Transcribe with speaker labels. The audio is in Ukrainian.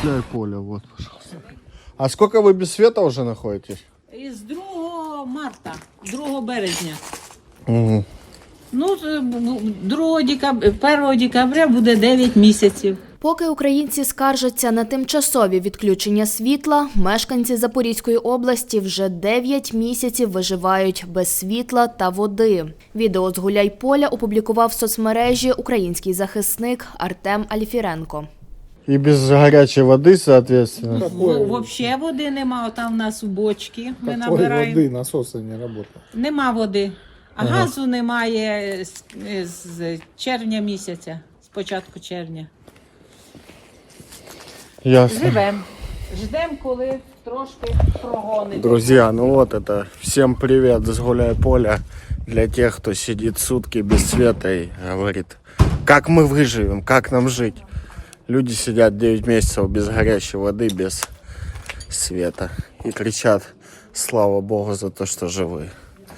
Speaker 1: Гуляй поле, вот, пожалуйста. А сколько вы без света уже находитесь?
Speaker 2: Із 2 марта, 2 березня.
Speaker 1: Угу.
Speaker 2: Ну, 1 декабря буде 9 місяців.
Speaker 3: Поки українці скаржаться на тимчасові відключення світла, мешканці Запорізької області вже 9 місяців виживають без світла та води. Відео з Гуляйполя опублікував в соцмережі український захисник Артем Альфіренко.
Speaker 1: И без горячей воды, соответственно.
Speaker 2: Взагалі води нема, там в нас у бочки ми
Speaker 4: Какой
Speaker 2: набираємо.
Speaker 4: воды, насосы не работают.
Speaker 2: Нема води, а газу немає з червня місяця, з початку червня.
Speaker 1: Ясно.
Speaker 2: Живемо, ждемо, коли трошки прогонить.
Speaker 1: Друзья, ну вот это. Всем привет с Гуляйполя. Для тех, кто сидит сутки без света и говорит, как мы выживем, как нам жить. Люди сидят 9 месяцев без горячей воды, без света. И кричат, слава Богу, за то, что живы.